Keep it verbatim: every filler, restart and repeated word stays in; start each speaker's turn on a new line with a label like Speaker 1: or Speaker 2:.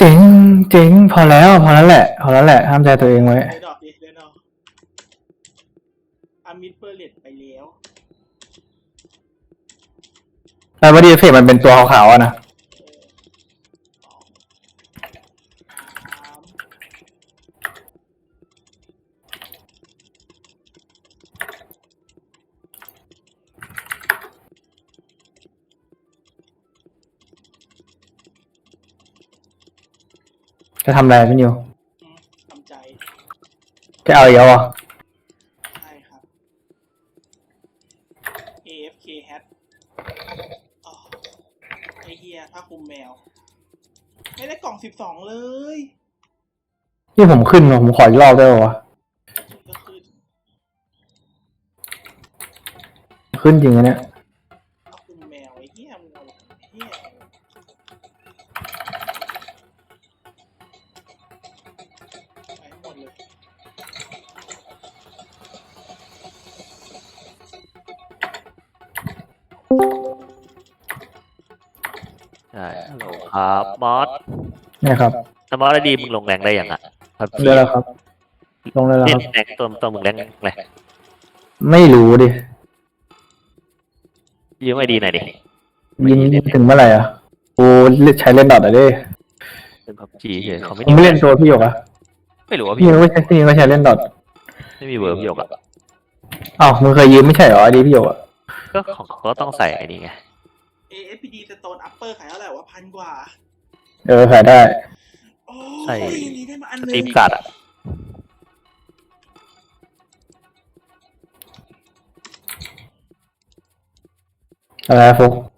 Speaker 1: เจ๋งเจ๋งพอแล้วพอแล้วแหละพอแล้วแหละห้ามใจตัวเองไว้
Speaker 2: เดนดอกดิเดนดอกอามิดเปอร์เลตไปแล้ว
Speaker 1: แต่ว่าดีเอฟเฟกต์มันเป็นตัวขาวๆอะนะจะทำอะไรพี่นิว
Speaker 2: อืมทำใจ
Speaker 1: จะเอาอีกแล้วอ่ะ
Speaker 2: ใช่ครับ เอ เอฟ เค hat อ๋อไอเฮียผ้าคลุมแมว ไม่ได้กล่องสิบสองเลย
Speaker 1: ที่ผมขึ้นมาผมขออีกรอบได้ป่าวะ
Speaker 2: ก็ขึ้น
Speaker 1: ขึ้นจริงอะเนี่ย
Speaker 2: ผ้าคลุมแมวไอเฮียมึงเอาไอเฮียไปหมดเลย
Speaker 3: ใช่ฮัลโหลครับมอส
Speaker 1: เนี่ยครับ
Speaker 3: ถ้ามอสได้ดีมึงลงแรงได้ยังอ่ะครับ
Speaker 1: เดี๋ยวแล้วครับ ลงเลยแล้ว
Speaker 3: เล่
Speaker 1: คน รับ
Speaker 3: แรงตัวตัวมึงแรงแรง
Speaker 1: ไม่รู้ดิ
Speaker 3: ยืมไอดีหน่อยดิ
Speaker 1: ยิงถึงเมื่อไหร่อ่ะกูใช้เล่นดอทอะดิ
Speaker 3: เป็นพับจีเฉยเขาไม่
Speaker 1: ผมไม่เล่นตัวพี่หยกอะ
Speaker 3: ไม่รู้ว่า
Speaker 1: พี่
Speaker 3: พี่
Speaker 1: ยังไม่ใช่พี่ยังไม่ใช้เล่นดอท
Speaker 3: ไม่มีเวิร์บพี่หยกอ่ะ
Speaker 1: อ้าวมึงเคยยืมไม่ใช่เหรอไอดีพี่หยกอะ
Speaker 3: ก็ของเขาก็ต้องใส่ไอ้นี่ไง
Speaker 2: เอ เอฟ พี ดี Stone Upper ขายเท่าไหร่วะพันกว่า
Speaker 1: เออขายได้
Speaker 2: โอ้
Speaker 3: ใส่
Speaker 2: ยยังนี้ได้มาอัน
Speaker 3: ส
Speaker 2: หนึ
Speaker 3: ตรี
Speaker 2: ง
Speaker 3: มการ์ดอ่ะ
Speaker 1: อะไรฟุก